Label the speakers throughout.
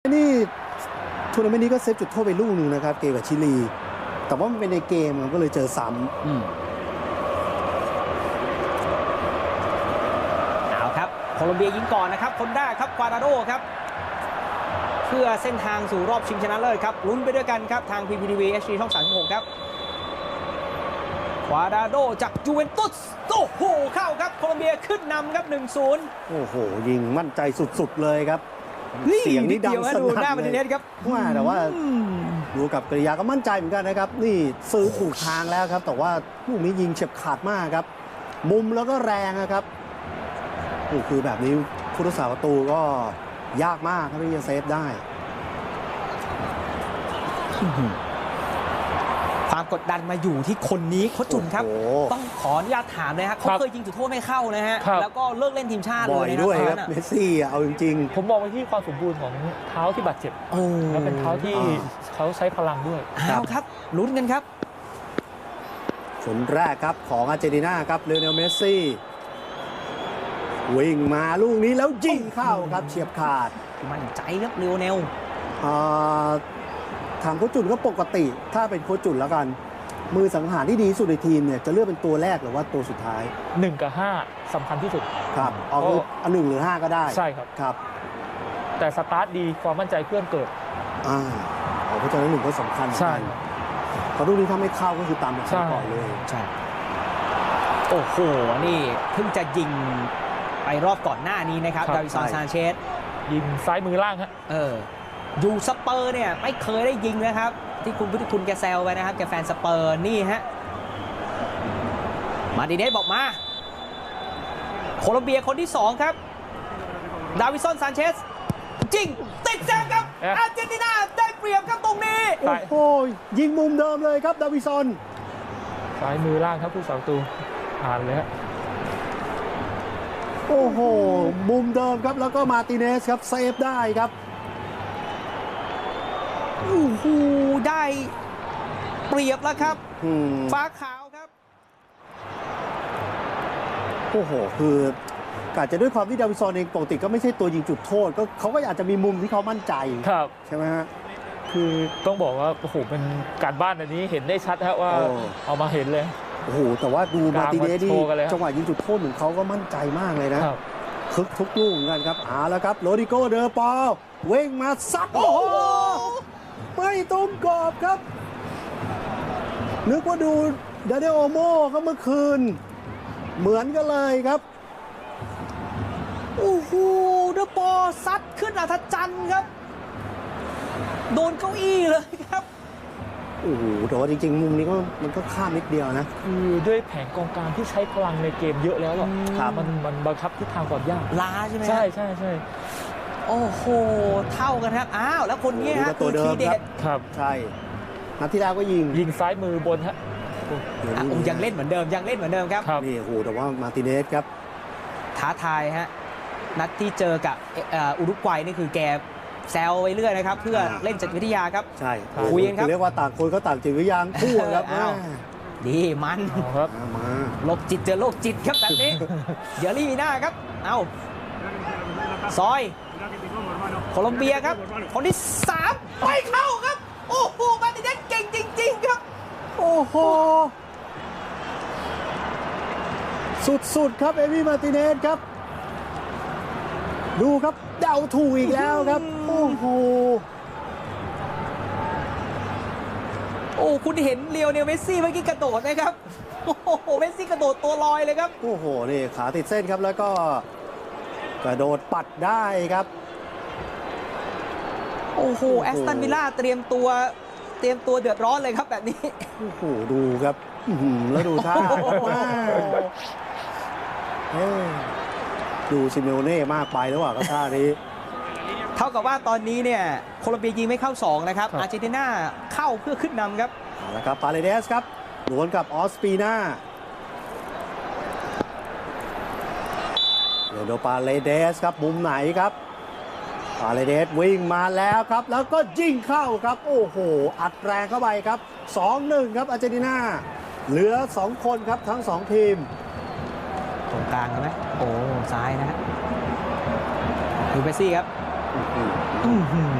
Speaker 1: นี่ทัวร์นาเมนต์นี้ก็เซฟจุดโทษไปลูกหนึ่งนะครับเกมกับชิลีแต่ว่ามันเป็นในเกมมันก็เลยเจอซ้
Speaker 2: ำเอาครับโคลอมเบียยิงก่อนนะครับคนแรกครับควาดราโดครับเพื่อเส้นทางสู่รอบชิงชนะเลิศครับลุ้นไปด้วยกันครับทาง PPTV HD ช่อง 36 ครับควาดราโดจากยูเวนตุสโอ้โหเข้าครับโคลอมเบียขึ้นนำครับ 1-0
Speaker 1: โอ้โหยิงมั่นใจสุดๆเลยครับเสียงนี่ดังสนั่นเลย
Speaker 2: ครับ
Speaker 1: ว่าแต่ว่าดูกับกริยาก็มั่นใจเหมือนกันนะครับนี่ซื้อถูกทางแล้วครับแต่ว่าลูกนี้ยิงเฉียบขาดมากครับมุมแล้วก็แรงนะครับนี่คือแบบนี้ผู้รักษาประตูก็ยากมากครับที่จะเซฟได้
Speaker 2: ความกดดันมาอยู่ที่คนนี้โค้ชจุนครับต้องขออนุญาตถามเลยครับเขาเคยยิงจุดโทษไม่เข้านะฮะแล้วก็เลิกเล่นทีมชาติเลย
Speaker 1: นะครับเมสซี่เอาจริง
Speaker 3: ๆผมมองไปที่ความสมบูรณ์ของเท้าที่บาดเจ็บและเป็นเท้าที่เขาใช้พลังด้วย
Speaker 2: ครับลุ้นกันครับ
Speaker 1: คนแรกครับของอาร์เจนตินาครับเลโอเนลเมสซี่วิ่งมาลูกนี้แล้วยิงเข้าครับเฉียบขาด
Speaker 2: มั่นใจครับเลโอเนล
Speaker 1: ทางโค้ชจุนก็ปกติถ้าเป็นโค้ชจุนแล้วกันมือสังหารที่ดีสุดในทีมเนี่ยจะเลือกเป็นตัวแรกหรือว่าตัวสุดท้าย
Speaker 3: 1 กับ 5สำคัญที่สุด
Speaker 1: ครับเอา1 หรือ 5ก็ได้
Speaker 3: ใช่ครับ
Speaker 1: ครับ
Speaker 3: แต่สตาร์ทดีความมั่นใจเพื่อนเกิด
Speaker 1: เพราะฉะนั้น1ก็สำคัญ
Speaker 3: ใช่
Speaker 1: เพราะลูกนี้ถ้าไม่เข้าก็คือตามแบบก่อนเลย
Speaker 2: ใช่โอ้โหนี่เพิ่งจะยิงไปรอบก่อนหน้านี้นะครับดาวิสันซานเชส
Speaker 3: ยิงซ้ายมือล่างฮะ
Speaker 2: อยู่สเปอร์เนี่ยไม่เคยได้ยิงนะครับที่คุณพุทธิคุณแกแซวไปนะครับแกแฟนสเปอร์นี่ฮะมาร์ติเนสบอกมาโคลอมเบียคนที่2ครับดาวิสันซานเชสจริงติดแซงครับอาร์เจนตินาได้เปรียบครับตรงนี้
Speaker 1: โอ้โหยิงมุมเดิมเลยครับดาวิสัน
Speaker 3: ซ้ายมือล่างครับผู้สาวตูผ่านเลยฮะ
Speaker 1: โอ้โหมุมเดิมครับแล้วก็มาร์ติเนสครับเซฟได้ครับ
Speaker 2: โอ้โหได้เปรียบแล้วครับฟ้าขาวครับ
Speaker 1: โอ้โหคืออาจจะด้วยความที่ดาวิสันเองปกติก็ไม่ใช่ตัวยิงจุดโทษก็เขาก็อาจจะมีมุมที่เขามั่นใจใช่ไหมฮะ
Speaker 3: คือต้องบอกว่าโอ้โหเป็นการบ้านอันนี้เห็นได้ชัดฮะว่าเอามาเห็นเลย
Speaker 1: โอ้โหแต่ว่าดูมาร์ติเนสนี่จังหวะยิงจุดโทษเหมือนเขาก็มั่นใจมากเลยนะคึกทุกลูกเหมือนกันครับแล้วครับโรดิโกเดอปอลเว้งมาซัดโอ้โหไม่ตรงกรอบครับนึกว่าดูดาเดโอโม่ก็เมื่อคืนเหมือนกันเลยครับ
Speaker 2: โอ้โหเดอปอลซัดขึ้นอัศจรรย์ครับโดนเก้าอี้เลยครับ
Speaker 1: โอ้โหแต่ว่าจริงๆมุมนี้ก็มันก็ข้ามนิดเดียวนะ
Speaker 3: คือด้วยแผงกองกลางที่ใช้พลังในเกมเยอะแล้วมันบังคับทิศทางก่อนยาก
Speaker 2: ล้าใช่ไหม
Speaker 3: ใช่
Speaker 2: โอ้โหเท่ากันครับแล้วคนนี้ฮะตัวทีเด็ด
Speaker 3: ครับ
Speaker 1: ใช่นัดที่แล้วก็ยิง
Speaker 3: ซ้ายมือบนฮะ
Speaker 2: ยังเล่นเหมือนเดิมครับ
Speaker 1: นี่โอ้โหแต่ว่ามาร์ติเนสครับ
Speaker 2: ท้าทายฮะนัดที่เจอกับอุรุกวัยนี่คือแกแซวไปเรื่อยนะครับเพื่อเล่นจิตวิทยาครับ
Speaker 1: ใช่
Speaker 2: คุยกันครับ
Speaker 1: เรียกว่าต่างคนก็ต่างจิตวิทยาคู่ครับ
Speaker 2: ดีมัน
Speaker 1: ครับ
Speaker 2: โรคจิตเจอโรคจิตครับแบบนี้เดี๋ยวลีมีหน้าครับซอยโคลอมเบียครับคนที่3ไม่เข้าครับโอ้โหมาร์ติเนสเก่งจริงๆครับ
Speaker 1: โอ้โหสุดๆครับเอมี่มาร์ติเนสครับดูครับเดาถูกอีกแล้วครับโอ้โห
Speaker 2: คุณเห็นเลียวเนลเมสซี่เมื่อกี้กระโดดไหมครับโอ้โหเมสซี่กระโดดตัวลอยเลยครับ
Speaker 1: โอ้โหนี่ขาติดเส้นครับแล้วก็กระโดดปัดได้ครับ
Speaker 2: โอ้โหแอสตันวิลล่าเตรียมตัวเดือดร้อนเลยครับแบบนี้
Speaker 1: โอ้โหดูครับแล้วดูท่าดูซิเมโอเน่มากไปแล้วอ่ะก็ท่านี้
Speaker 2: เท่ากับว่าตอนนี้เนี่ยโคลอมเบียยิงไม่เข้า2นะครับอาร์เจนตินาเข้าเพื่อขึ้นนำครับ
Speaker 1: แล้วครับปาเลเดสครับดวลกับออสปีนาเดี๋ยวดูปาเลเดสครับมุมไหนครับปาเลเดสวิ่งมาแล้วครับแล้วก็ยิงเข้าครับโอ้โหอัดแรงเข้าไปครับ 2-1 ครับอาร์เจนตินาเหลือ2คนครับทั้ง2ทีม
Speaker 2: ตรงกลางไหมโอ้ซ้ายนะฮะดูเมสซี่ครับ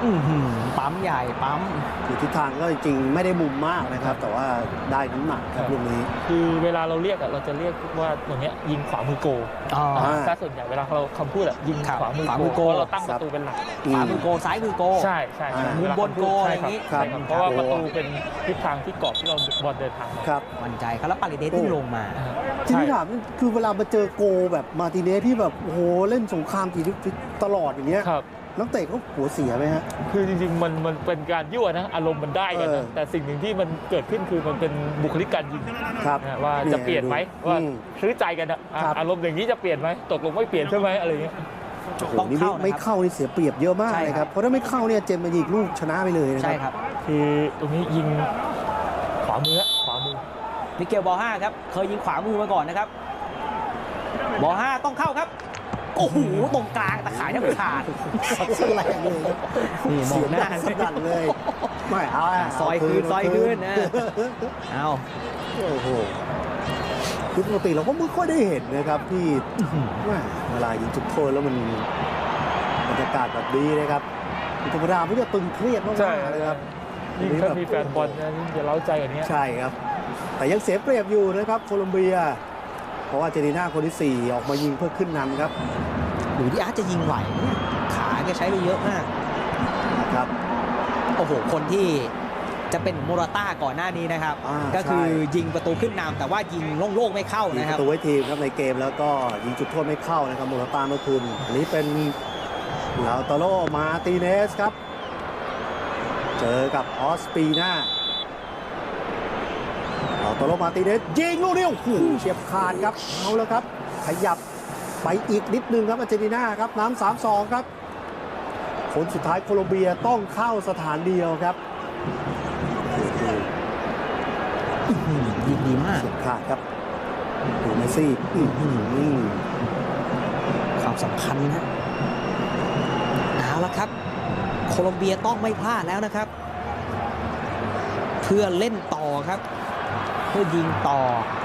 Speaker 2: ปั๊มใหญ่ปั๊ม
Speaker 1: คือทิศทางก็จริงๆไม่ได้มุมมากนะครับ แต่ว่าได้น้ำหนักครับลูกนี้
Speaker 3: คือเวลาเราเรียกเราจะเรียกว่าอย่างเงี้ยยิงขวามือโก ถ้าส่วนใหญ่เวลาเราคำพูดยิงขวามือโกเราตั้งประตูเป็นหลัก
Speaker 2: ขวามือโกซ้ายมือโก
Speaker 3: ใช่
Speaker 2: มุมบนโกอะไรอย่างนี้
Speaker 3: ใช่ครับเพราะว่าประตูเป็นทิศทางที่กรอบที่เราบอลเดินทางมา
Speaker 1: ครับ
Speaker 2: มั่นใจครับแล้วปาริเดสที่ลงมา
Speaker 1: ทีนี้ถามคือเวลามาเจอโกแบบมาร์ติเนสที่แบบโอ้โหเล่นสงครามทีตลอดอย่างเงี้ย
Speaker 3: ครับ
Speaker 1: นักเตะเขาหัวเสียไหมฮะ
Speaker 3: คือจริงๆมันเป็นการยั่วนะอารมณ์มันได้กันนะแต่สิ่งหนึ่งที่มันเกิดขึ้นคือมันเป็นบุคลิกการยิง
Speaker 1: ครับ
Speaker 3: ว่าจะเปลี่ยนไหมว่าซื้อใจกันนะอารมณ์อย่างนี้จะเปลี่ยนไหมตกลงไม่เปลี่ยนใช่ไหมอะไรเงี้ย
Speaker 2: ต้องเข้านะครับ
Speaker 1: ไม่เข้านี่เสียเปรียบเยอะมากเลยครับเพราะถ้าไม่เข้าเนี่ยเจมส์มายิงลูกชนะไปเลยนะ
Speaker 2: ใช่ครับ
Speaker 3: คือตรงนี้ยิงขวามือ
Speaker 2: มิเกลบอล5ครับเคยยิงขวามือมาก่อนนะครับบอล5ต้องเข้าครับโอ้โหตรงกลางตะข่ายแทบขาด
Speaker 1: สแลงเลยครับ
Speaker 2: นี่มองหน้า
Speaker 1: สนั่นเลยไม่เอา
Speaker 2: ซอยคืนนะเอา
Speaker 1: โอ้โหคือปกติเราก็ไม่ค่อยได้เห็นนะครับที่เวลายิงจุดโทษแล้วมันบรรยากาศแบบนี้นะครับธรรมดาไม่ได้ตึงเครียดมากๆเลยครับ
Speaker 3: ยิ่งถ้ามีแฟนบอลนะยิ่งจะเล้าใจกันนี้
Speaker 1: ใช่ครับแต่ยังเสียเปรียบอยู่นะครับโคลอมเบียเพราะว่าอาร์เจนตินาคนที่4ออกมายิงเพื่อขึ้นนำครับ
Speaker 2: หรือที่อาร์ตจะยิงไหวเนี่ยขาแกใช้ไปเยอะมาก
Speaker 1: ครับ
Speaker 2: โอ้โหคนที่จะเป็นโมราต้าก่อนหน้านี้นะครับก็คือยิงประตูขึ้นนำแต่ว่ายิงโล่งๆไม่เข้า
Speaker 1: ยิง
Speaker 2: นะค
Speaker 1: ป
Speaker 2: รับ
Speaker 1: ระตูไว้ทีมครับในเกมแล้วก็ยิงจุดโทษไม่เข้านะครับโมราต้าเมื่อคืนอันนี้เป็นลาวตาโรมาร์ติเนสครับเจอกับออสปีนาลาวตาโรมาร์ติเนสยิงลูกนี้โอ้โหเฉียบขาดครับเอาแล้วครับขยับไปอีกนิดนึงครับอาร์เจนตินาครับน้ำ 3-2 ครับผลสุดท้ายโคลอมเบียต้องเข้าสถานเดียวครับ
Speaker 2: ยิงดีมาก
Speaker 1: เฉียบขาดครับดูเมสซี่
Speaker 2: ความสำคัญนะเอาละครับโคลอมเบียต้องไม่พลาดแล้วนะครับ เพื่อเล่นต่อครับเพื่อยิงต่อ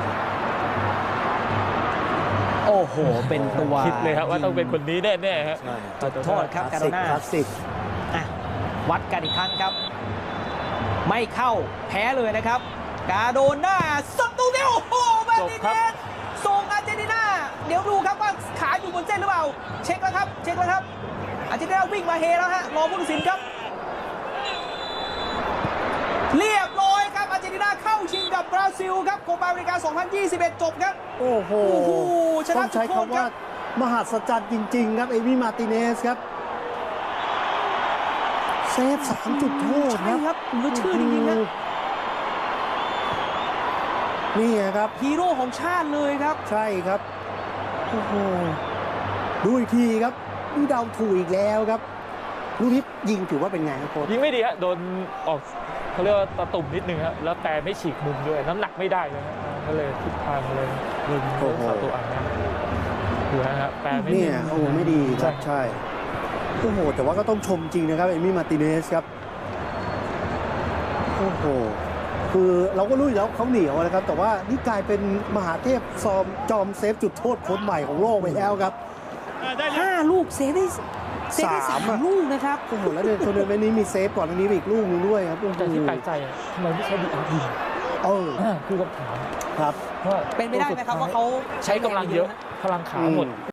Speaker 2: โอ้โหเป็นตัว
Speaker 3: คิดเลยครับว่าต้องเป็นคนนี้แน่ๆครับ
Speaker 2: จุดโทษครับการ์โดน่า
Speaker 1: คลาสสิก
Speaker 2: วัดกันอีกครั้งครับไม่เข้าแพ้เลยนะครับกาโดน่าสับตูเดียวโอ้โหมาร์ติเนสส่งอาร์เจนตินาเดี๋ยวดูครับว่าขาอยู่บนเส้นหรือเปล่าเช็คแล้วครับอาร์เจนตินาวิ่งมาเฮแล้วฮะรอผู้ตัดสินครับเรียบร้อยครับอาร์เจนตินาเข้าชิงกับบราซิลครับโคปาอเมริกา 2021 จบครับ
Speaker 1: โอ้โห
Speaker 2: ชนะ
Speaker 1: ต้องใช้คำว่ามหัศจรรย์จริงๆครับเอมี่มาร์ติเนสครับเซฟ3 จุดโทษ
Speaker 2: ใช่ครับเหลือชื่อจริงๆนะ
Speaker 1: นี่ครับ
Speaker 2: ฮีโร่ของชาติเลยครับ
Speaker 1: ใช่ครับโอ้โหดูอีกทีครับนี่เดาถูกอีกแล้วครับลูกนี้ยิงถือว่าเป็นไงครับโค้ช
Speaker 3: ยิงไม่ดีฮะโดนออกเขาเรียกว่าตะตุ่มนิดนึงครับแล้วแต่ไม่ฉีกมุมด้วยน้ำหนักไม่ได้เลยครับก็เลยทิศทางเลยยิงเข้าตัวอ่างนะดูนะฮะแปรไม่ดี
Speaker 1: เนี่ยโอ้โหไม่ดีครับใช่โอ้โหแต่ว่าก็ต้องชมจริงนะครับเอมี่มาร์ติเนสครับโอ้โหคือเราก็รู้อยู่แล้วเขาเหนียวนะครับแต่ว่านี่กลายเป็นมหาเทพจอมเซฟจุดโทษคนใหม่ของโลกไปแล้วครับ
Speaker 2: 5 ลูกเซฟได้3 ลูกนะครับ
Speaker 1: โอ้โหแล้วในทัวร์นาเมนต์นี้มีเซฟก่อนอันนี้อีกลูกนึงด้วยครับโอ้โห
Speaker 3: แต่ที่แปลกใจอะทำไมไม่ใช้ดีอาร์ยิงคือคำถาม
Speaker 1: ครับ
Speaker 3: ว่า
Speaker 2: เป็นไม่ได้ไหมครับว่าเขา
Speaker 3: ใช้กำลังเยอะพลังขาหมด